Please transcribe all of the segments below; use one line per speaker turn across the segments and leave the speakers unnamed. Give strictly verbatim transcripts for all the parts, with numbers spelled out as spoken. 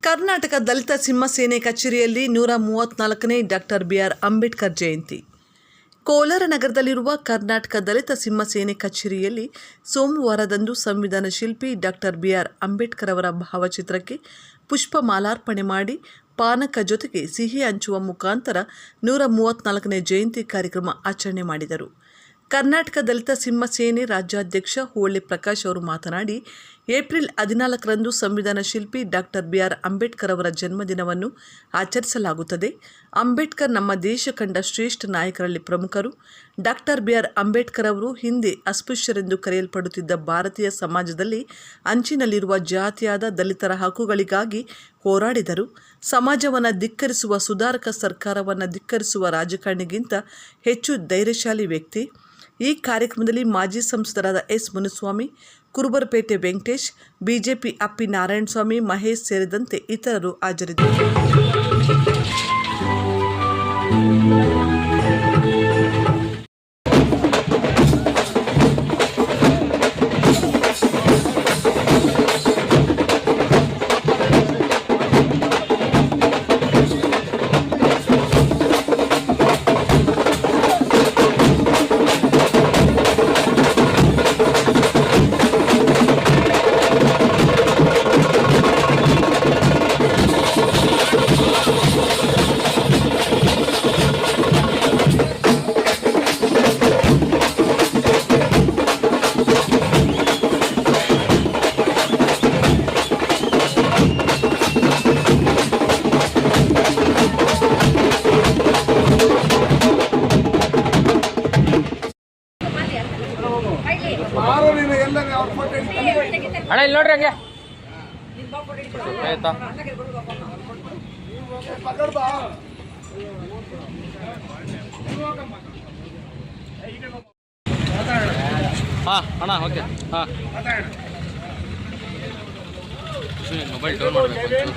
ಕರ್ನಾಟಕ ದಲಿತ ಸಿಂಹ ಸೇನೆ ಕಚೇರಿಯಲ್ಲಿ ನೂರ ಮೂವತ್ತ್ನಾಲ್ಕನೇ doctor B R Ambedkar Jayanti. Kolar ನಗರದಲ್ಲಿರುವ ಕರ್ನಾಟಕ ದಲಿತ ಸಿಂಹ ಸೇನೆ ಕಚೇರಿಯಲ್ಲಿ ಸೋಮವಾರದಂದು ಸಂವಿಧಾನ ಶಿಲ್ಪಿ ಡಾಕ್ಟರ್ ಬಿ ಆರ್ ಅಂಬೇಡ್ಕರ್ ಅವರ ಭಾವಚಿತ್ರಕ್ಕೆ ಪುಷ್ಪ ಮಾಲಾರ್ಪಣೆ ಮಾಡಿ ಪಾನಕ ಜೊತೆಗೆ ಸಿಹಿ ಹಂಚುವ ಮುಖಾಂತರ ನೂರ ಮೂವತ್ತ್ನಾಲ್ಕನೇ ಜಯಂತಿ ಕಾರ್ಯಕ್ರಮ ಆಚರಣೆ ಮಾಡಿದರು. ಕರ್ನಾಟಕ ದಲಿತ ಸಿಂಹ ಸೇನೆ ರಾಜ್ಯಾಧ್ಯಕ್ಷ ಹೋಳಿ ಪ್ರಕಾಶ್ ಅವರು ಮಾತನಾಡಿ, ಏಪ್ರಿಲ್ ಹದಿನಾಲ್ಕರಂದು ಸಂವಿಧಾನ ಶಿಲ್ಪಿ ಡಾಕ್ಟರ್ ಬಿ ಆರ್ ಅಂಬೇಡ್ಕರ್ ಅವರ ಜನ್ಮದಿನವನ್ನು ಆಚರಿಸಲಾಗುತ್ತದೆ. ಅಂಬೇಡ್ಕರ್ ನಮ್ಮ ದೇಶ ಕಂಡ ಶ್ರೇಷ್ಠ ನಾಯಕರಲ್ಲಿ ಪ್ರಮುಖರು. ಡಾಕ್ಟರ್ ಬಿ ಆರ್ ಅಂಬೇಡ್ಕರ್ ಅವರು ಹಿಂದೆ ಅಸ್ಪೃಶ್ಯರೆಂದು ಕರೆಯಲ್ಪಡುತ್ತಿದ್ದ ಭಾರತೀಯ ಸಮಾಜದಲ್ಲಿ ಅಂಚಿನಲ್ಲಿರುವ ಜಾತಿಯಾದ ದಲಿತರ ಹಕ್ಕುಗಳಿಗಾಗಿ ಹೋರಾಡಿದರು. ಸಮಾಜವನ್ನು ಧಿಕ್ಕರಿಸುವ ಸುಧಾರಕ ಸರ್ಕಾರವನ್ನು ಧಿಕ್ಕರಿಸುವ ರಾಜಕಾರಣಿಗಿಂತ ಹೆಚ್ಚು ಧೈರ್ಯಶಾಲಿ ವ್ಯಕ್ತಿ. ಈ ಕಾರ್ಯಕ್ರಮದಲ್ಲಿ ಮಾಜಿ ಸಂಸದರಾದ ಎಸ್ ಮುನಿಸ್ವಾಮಿ, ಕುರುಬರಪೇಟೆ ವೆಂಕಟೇಶ್, ಬಿಜೆಪಿ ಅಪ್ಪಿ ನಾರಾಯಣಸ್ವಾಮಿ, ಮಹೇಶ್ ಸೇರಿದಂತೆ ಇತರರು ಹಾಜರಿದ್ದರು.
ಅಣ್ಣ ಇಲ್ಲಿ ನೋಡ್ರಿ ಹಂಗೆ ಆಯ್ತಾ ಹಾಂ ಅಣ್ಣ ಓಕೆ ಹಾಂ ಮೊಬೈಲ್ ಡೌನ್ ಮಾಡಬೇಕು.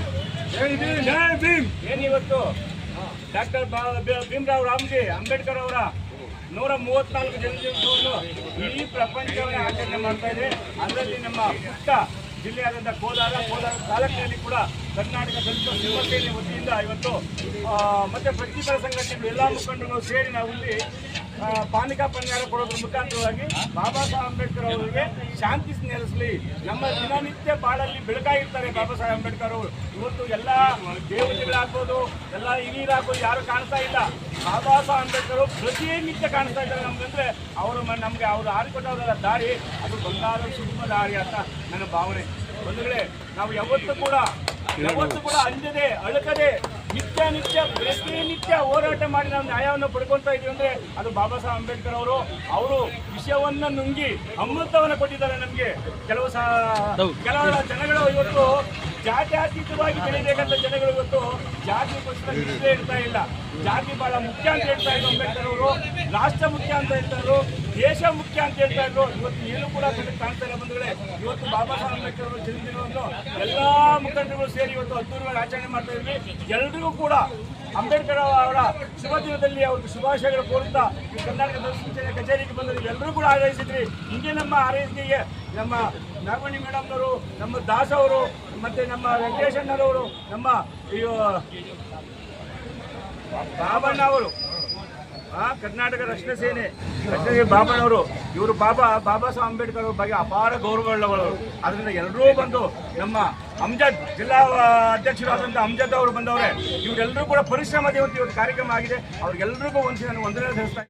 ಏನಿವತ್ತು ಡಾಕ್ಟರ್ ಭೀಮರಾವ್ ರಾಮ್ಜಿ ಅಂಬೇಡ್ಕರ್ ಅವರ ನೂರ ಮೂವತ್ನಾಲ್ಕು ಜನ್ಮದಿನವನ್ನು ಇಡೀ ಪ್ರಪಂಚವೇ ಆಚರಣೆ ಮಾಡ್ತಾ ಇದೆ. ಅದರಲ್ಲಿ ನಮ್ಮ ಪುಟ್ಟ ಜಿಲ್ಲೆಯಾದಂಥ ಕೋಲಾರ ಕೋಲಾರ ತಾಲೂಕಿನಲ್ಲಿ ಕೂಡ ಕರ್ನಾಟಕ ದಲಿತ ಸಿಂಹ ಸೇನೆ ವತಿಯಿಂದ ಇವತ್ತು ಮತ್ತು ಪ್ರತಿಪರ ಸಂಘಟನೆಗಳು ಎಲ್ಲ ಮುಖಂಡರು ಸೇರಿ ನಾವು ಇಲ್ಲಿ ಪಾನಿಕಾ ಪನ್ಯಾರ ಕೊಡೋದ್ರ ಮುಖಾಂತರವಾಗಿ ಬಾಬಾ ಸಾಹೇಬ್ ಅಂಬೇಡ್ಕರ್ ಅವರಿಗೆ ಶಾಂತಿ ನೆಲೆಸಲಿ. ನಮ್ಮ ದಿನನಿತ್ಯ ಬಾಳಲ್ಲಿ ಬೆಳಕಾಗಿರ್ತಾರೆ ಬಾಬಾ ಸಾಹೇಬ್ ಅಂಬೇಡ್ಕರ್ ಅವರು. ಇವತ್ತು ಎಲ್ಲ ದೇವತೆಗಳಾಗ್ಬೋದು, ಎಲ್ಲ ಹಿರಿಯರಾಗ್ಬೋದು, ಯಾರು ಕಾಣ್ತಾ ಇಲ್ಲ. ಬಾಬಾ ಸಾಹೇಬ್ ಅಂಬೇಡ್ಕರ್ ಪ್ರತಿನಿತ್ಯ ಕಾಣಿಸ್ತಾ ಇದ್ದಾರೆ ನಮ್ಗಂದ್ರೆ ಅವರು ನಮಗೆ ಅವರು ಹಾರಿಕೊಟ್ಟವರ ದಾರಿ ಅದು ಬಂಗಾರ ಸುಗಮ ದಾರಿ ಅಂತ ನನ್ನ ಭಾವನೆ. ಬಂಧುಗಳೇ, ನಾವು ಯಾವತ್ತೂ ಕೂಡ ಯಾವತ್ತೂ ಕೂಡ ಅಂಜದೆ ಅಳಕದೆ ನಿತ್ಯ ನಿತ್ಯ ಪ್ರತಿನಿತ್ಯ ಹೋರಾಟ ಮಾಡಿ ನಾವು ನ್ಯಾಯವನ್ನು ಪಡ್ಕೊಳ್ತಾ ಇದೀವಿ ಅಂದ್ರೆ ಅದು ಬಾಬಾ ಸಾಹೇಬ್ ಅಂಬೇಡ್ಕರ್ ಅವರು. ಅವರು ವಿಷಯವನ್ನ ನುಂಗಿ ಅಮೃತವನ್ನು ಕೊಟ್ಟಿದ್ದಾರೆ ನಮಗೆ. ಕೆಲವು ಸಹ ಕೆಲವರ ಜನಗಳು ಇವತ್ತು ಜಾತ್ಯಾತೀತವಾಗಿ ಬೆಳೀಬೇಕಂತ ಜನಗಳು ಇವತ್ತು ಜಾತಿಗೋಸ್ಕರ ನಿಷ್ಠೆ ಇರ್ತಾ ಇಲ್ಲ. ಜಾತಿ ಬಹಳ ಮುಖ್ಯ ಅಂತ ಹೇಳ್ತಾ ಇದ್ರು ಅಂಬೇಡ್ಕರ್ ಅವರು. ರಾಷ್ಟ್ರ ಮುಖ್ಯ ಅಂತ ಹೇಳ್ತಾ ಇದ್ರು, ದೇಶ ಮುಖ್ಯ ಅಂತ ಹೇಳ್ತಾ ಇದ್ರು. ಇವತ್ತು ಏನು ಕೂಡ ಕಾಣ್ತಾ ಇಲ್ಲ ಬಂಧುಗಳೇ. ಇವತ್ತು ಬಾಬಾ ಸಾಹೇಬ್ ಅಂಬೇಡ್ಕರ್ ಅವರ ಜನ್ಮದಿನವನ್ನು ಎಲ್ಲಾ ಮುಖಂಡರು ಸೇರಿ ಇವತ್ತು ಅದ್ದೂರಿಯಾಗಿ ಆಚರಣೆ ಮಾಡ್ತಾ ಇದ್ವಿ. ಎಲ್ರಿಗೂ ಕೂಡ ಅಂಬೇಡ್ಕರ್ ಅವರ ಶುಭ ದಿನದಲ್ಲಿ ಅವ್ರಿಗೆ ಶುಭಾಶಯಗಳು ಕೋರುತ್ತಾ ಈ ಕರ್ನಾಟಕ ದಲಿತ ಕಚೇರಿಗೆ ಬಂದಿದ್ವಿ. ಎಲ್ಲರೂ ಕೂಡ ಆರೈಸಿದ್ರಿ. ಹಿಂಗೆ ನಮ್ಮ ಆರೈಕೆಗೆ ನಮ್ಮ ನಾಗಮಣಿ ಮೇಡಮ್ನವರು, ನಮ್ಮ ದಾಸ್ ಅವರು, ಮತ್ತೆ ನಮ್ಮ ವೆಂಕಟೇಶಣ್ಣರವರು, ನಮ್ಮ ಬಾಬಣ್ಣ ಅವರು, ಆ ಕರ್ನಾಟಕ ರಕ್ಷಣಾ ಸೇನೆ ರಕ್ಷಣೆ ಬಾಬಣ್ಣವರು, ಇವರು ಬಾಬಾ ಬಾಬಾ ಸಾಹೇಬ್ ಅಂಬೇಡ್ಕರ್ ಅವ್ರ ಬಗ್ಗೆ ಅಪಾರ ಗೌರವಗಳವರು. ಅದರಿಂದ ಎಲ್ಲರೂ ಬಂದು ನಮ್ಮ ಅಮ್ಜದ್ ಜಿಲ್ಲಾ ಅಧ್ಯಕ್ಷರಾದಂಥ ಅಮ್ಜದ್ ಅವರು ಬಂದವರೇ. ಇವರೆಲ್ಲರೂ ಕೂಡ ಪರಿಶ್ರಮದ ಇವತ್ತು ಇವತ್ತು ಕಾರ್ಯಕ್ರಮ ಆಗಿದೆ. ಅವ್ರಿಗೆಲ್ಲರಿಗೂ ಒಂದು ನಾನು ವಂದನೆ ಸಲ್ಲಿಸ್ತಾ